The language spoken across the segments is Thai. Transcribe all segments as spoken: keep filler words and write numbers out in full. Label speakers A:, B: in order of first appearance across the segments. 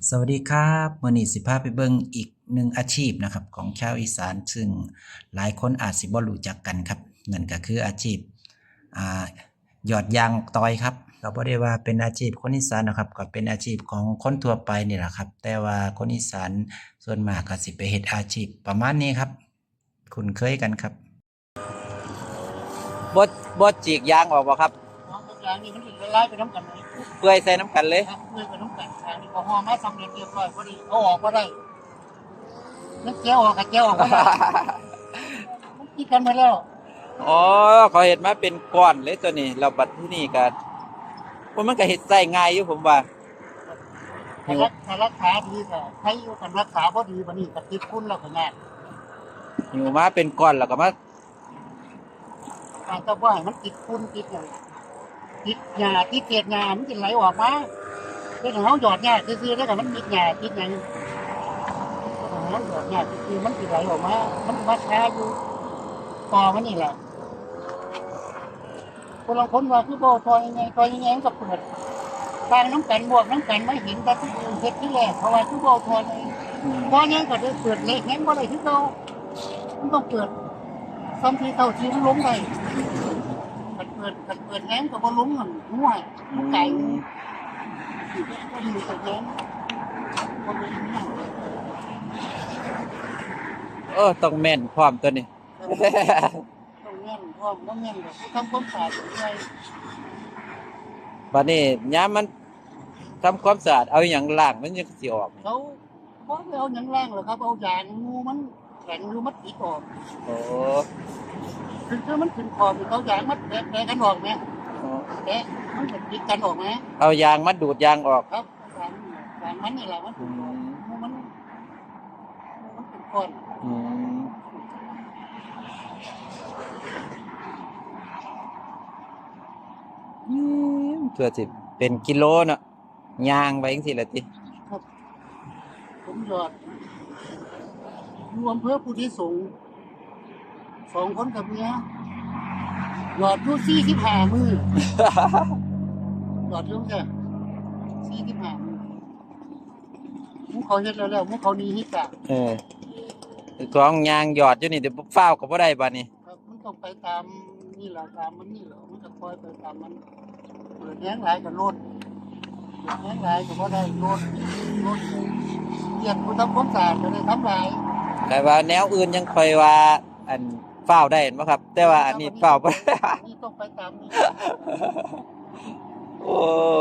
A: สวัสดีครับมื้อนี้สิพาไปเบิ่งอีกหนึ่งอาชีพนะครับของชาวอีสานซึ่งหลายคนอาจสิบ่รู้จักกันครับนั่นก็คืออาชีพอ่าหยอดยางตอยครับก็บ่ได้ว่าเป็นอาชีพคนอีสานนะครับก็เป็นอาชีพของคนทั่วไปนี่แหละครับแต่ว่าคนอีสานส่วนมากก็สิไปเฮ็ดอาชีพประมาณนี้ครับคุ้นเคยกันครับบ่บ่จีกยางออกบ่ครับ
B: น้องทุกอย่างนี่มันถึงละลายไปน้ำกันเลย
A: เปื่อยใส่น้ำกันเลย
B: ครับเพื่อไปน้ำกันทางนี้พอห่อมาสำเร็จเรียบร้อยพอดีเอาออกก็ได้นักเจียวออกกับเจียวออกก็ได้มันคิดกันมาแล้ว
A: อ๋อเขาเฮ็ดมาเป็นก้อนเลยตัวนี้แล้วบัดที่นี่ก็พวกมันก็เฮ็ดใช้ง่ายอยู่ผมว่า
B: ถ้ารักถ้ารักษาดีก็ใช้อยู่กันรักษาพอดีวันนี้ก็ติดคุณแล้วก็งาน
A: หิวมาเป็นก้อนแล้วก็มา
B: การจะว่ามันติดคุณติดอย่างติดหญ้าติดเศษหญ้ามันจะไหลออกมาเป็นของเขาหยอดหญ้าซื่อๆแล้วก็มันมีหญ้าติดอย่างของเขาหยอดหญ้าซื่อๆมันจะไหลออกมามันมาช้าอยู่ต่อมันนี่แหละคนละคนว่าคือโบทอยยังไงทอยยังไงก็เปิดทางน้ำกันบวกน้ำกันไม่เห็นแต่ที่อื่นเฮ็ดที่แรกเพราะว่าคือโบทอยพอยังก็ได้เปิดเล็กงั้นบ่ได้ที่เรามันต้องเปิดซ้ำที่เท่าที่มันล้มได้มันเปิดมันเปิดแง้มก็บ่ล้มมันหัวมันไก่ก็ดีแต่แง้มบ่ได้หัว
A: เออต้องแม่นพร้อมตัวนี้
B: ต้องแง้มพร้อมต้องแง้มแบบทำความสะอาดด้วย
A: บัดนี้ยามมันทำความสะอาดเอาหยังล้างมันยังสิออก
B: เขาเขาไม่เอาหยังล่างหรอกครับเอายางงูมันแข็งอยู่มัดติดออก
A: โอ้
B: คือคือมันขึ้นคออยู่เขายางมัดแผลแผลกันออกไหมแผลมันเป็นติดกันออกไหม
A: เอายางมาดูดยางออก
B: ครับยางยางมันนี่แหละมันเป็นคอนงูมันงูมันเป็นคอน
A: อืมอืมตัวสิเป็นกิโลเนาะยางไปจังซี่ล่ะติ
B: ครับผมหยอดรวมเพื่อผู้ที่สูงสองคนกับเมียหยอดอยู่สี่สิบห้ามือหยอดอยู่แค่สี่สิบห้ามือมุกเขาเฮ็ดแล้วแล้วมุกเขานี้ฮิตอ่ะ
A: เออของยางหยอดอยู่นี่เดี๋ยวฟ้าวก็บ่ได้บัดนี้
B: ครับมันต้องไปตามนี่แหละตามมันนี่แหละมันจะคอยไปตามมันเปิดแย้งหลายกับโลดเปิดแย้งหลายก็บ่ได้โลดโลดเรียนผู้ทำความสะอาดก็ได้ทำหลาย
A: แต่ว่าแนวอื่นยังค่อยว่าอันฟ้าวได้เห็นบ่ครับแต่ว่าอันนี้ฟ้าวบ่ได้
B: นี่ต้องไปตามนี่
A: โอ้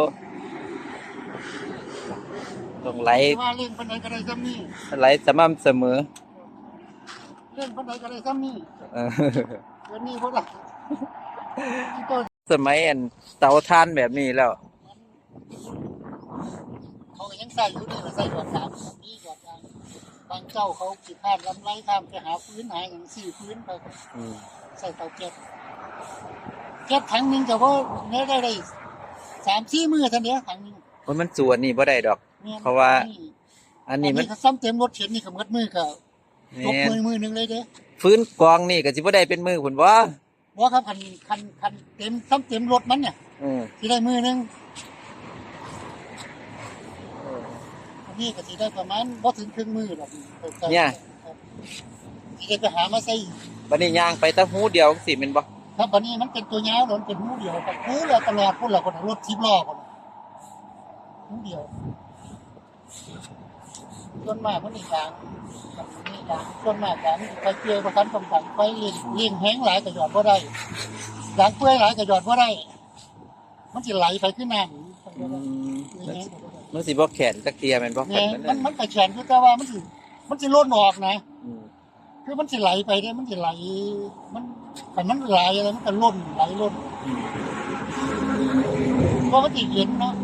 A: ต้องไหล
B: ว่าเล่นปานใดก็ได้ซ้ำนี่
A: ไหลสม่ำเสมอ
B: เล่นปานใดก็ได้ซ้ำนี่
A: เออ
B: เดี๋ยวนี้บ่ได้ที่ต้น
A: สมัยอันเตาถ่านแบบนี้แล้ว
B: เขาก็ยังใส่อยู่นี่ว่าใส่หยอดน้ำนี่หยอดน้ำบางเจ้าเขาขี้พลาดลำไรข้ามไปหาพื้นหาหยังสี่พื้นไปก็ใส่เตาแก๊สแก๊สถังหนึงก็บ่ได้ได้ได้สามสี่มื้อเท่านี้ถังนึง
A: โอ้ยมันสวนนี่บ่ได้ดอกเพราะว่าอันนี้มัน
B: ซ้ำเต็มรถเข็นนี่ก็หมดมือก็ตกมือมือนึงเลยเด้
A: ฟื้นกองนี่ก็สิบ่ได้เป็นมือพุ่นบ่
B: บ่ครับคันคันคันเต็มซ้ำเต็มรถมันเนี่ย
A: อือ
B: สิได้มือนึงอันนี้ก็สิได้ประมาณบ่ถึงครึ่งมือดอก
A: เนี่ย
B: สิได้ไปหามาใส่
A: บัดนี้ย่างไปแตะหูเดียวจังซี่แม่นบ่
B: ครับบัดนี้มันเป็นตัวยาวมันเป็นหูเดียวครับหูแล้วตลอดพุ่นล่ะคนรถสิบล้อพุ่นหูเดียวส่วนมากมันนี่กลางกับนี่กลางส่วนมากกลางไปเกี่ยวบ่ทันต้องกันไปเลี้ยงเลี้ยงแห้งหลายก็หยอดบ่ได้ยางเปื่อยหลายก็หยอดบ่ได้มันสิไหลไปขึ้นน้ำ
A: อืมมันสิบ่แข็งจักเที่ยแม่นบ่
B: เนี่ยมันมันก็แข็งคือแต่ว่ามันสิมันสิล้นออกนะคือมันสิไหลไปเนี่ยมันสิไหลมันแต่มันไหลอะไรมันก็ล้นไหลล้นเพราะมันสิเย็นเนาะ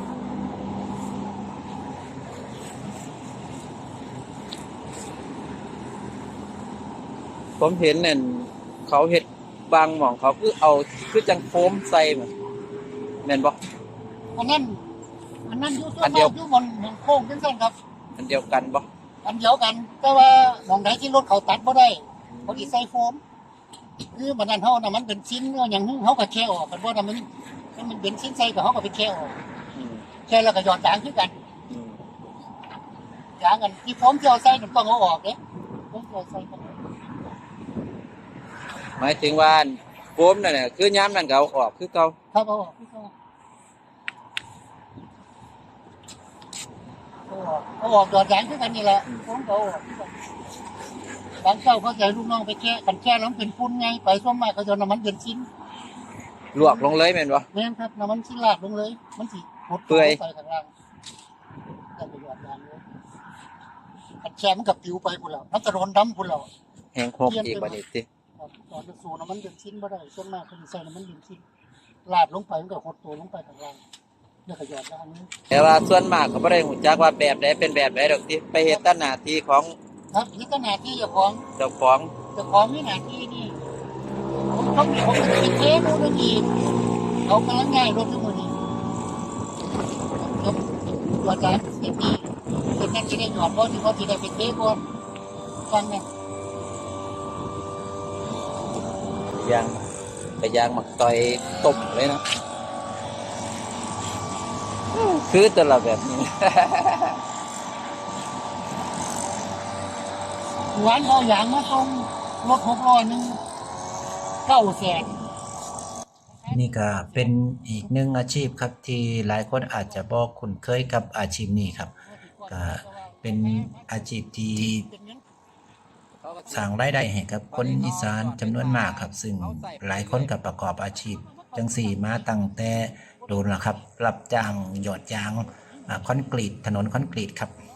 A: ผมเห็นนั่นเขาเฮ็ดบางหม่องเขาคือเอาคือจังโฟมใส่แม่นบ่
B: อันนั้นอันนั้นอยู่ตัวมาอยู่บนบนโค้งจังซั่นครับ
A: อันเดียวกันบ่
B: อันเดียวกันแต่ว่าหม่องใดที่รถเขาตัดบ่ได้เขาสิใส่โฟมคือบัดนั้นเฮาน่ะมันเป็นชิ้นหยังเฮาก็แค่ออกกันบ่น่ะมันมันเป็นชิ้นใส่ก็เฮาก็ไปแค่ออกแค่แล้วก็หยอดยางคือกันางกันที่ผมจะเอาใส่หนุ่มต้องเอาออกเด้ผมจะเอาใส่กัน
C: หมายถึงว่าโฟมนั่นน่ะคือย้ำนั่นก็เอาออกคือเก่า
B: ครับเอาออกพี่ก็เอาออกเอาออกดอดยางคือกันนี่แหละผมก็เอาออกคือกันบางเจ้าเขาจะให้ลูกน้องไปแช่กันแช่แล้วมันเป็นฝุ่นไงไปส่วนมากเขาจะเอาน้ำมันเบนซิน
C: ลวกลงเลยแม่นบ่
B: แม่นครับน้ำมันชิ้นลาดลงเลยมันสิหด
C: เปื่อย
B: ไปข้างล่างแต่ไปหยอดยางเลยกันแช่มันกับปิวไปพุ่นแล้วมันจะโดนดำพุ่นแล้ว
C: แห้งหกอีกบัดนี้ติ
B: ครับตอนจะสูน้ำมันเบนซินบ่ได้ส่วนมากเขาจะใส่น้ำมันเบนซินลาดลงไปมันก็หดตัวลงไปข้างล่างแล้วก็หยอดยางนี้
C: แต่ว่าส่วนมากก็บ่ได้ฮู้จักว่าแบบใดเป็นแบบใดดอกที่ไปเฮ็ดแตหน้าที่ของ
B: ครับนี่ก็หน้าที่เจ้าของ
C: เจ้าของ
B: เจ้าของมีหน้าที่นี่ผมต้องมีผมจะเป็นเทสดูนะทีเขากำลังง่ายรถทุกคนนี่ครับตัวจานเสียดีเป็นนั่นจะได้หยอดเพราะที่เขาจะได้เป็นเทสก่อนฟังนะ
C: ยางไปยางหมักต่อยต้มเลยนะคือแตละแบบนี้
B: หวานเอาอย่างมาตรงรถหกร้อยหนึ่งเก้าแสน
A: นี่ก็เป็นอีกหนึ่งอาชีพครับที่หลายคนอาจจะบ่คุ้นเคยกับอาชีพนี้ครับก็เป็นอาชีพที่สร้างรายได้ให้กับคนอีสานจำนวนมากครับ ซึ่งหลายคนก็ประกอบอาชีพจังสี่มาตั้งแต่โดนแล้วครับรับจ้างหยอดยางอ่าคอนกรีตถนนคอนกรีตครับ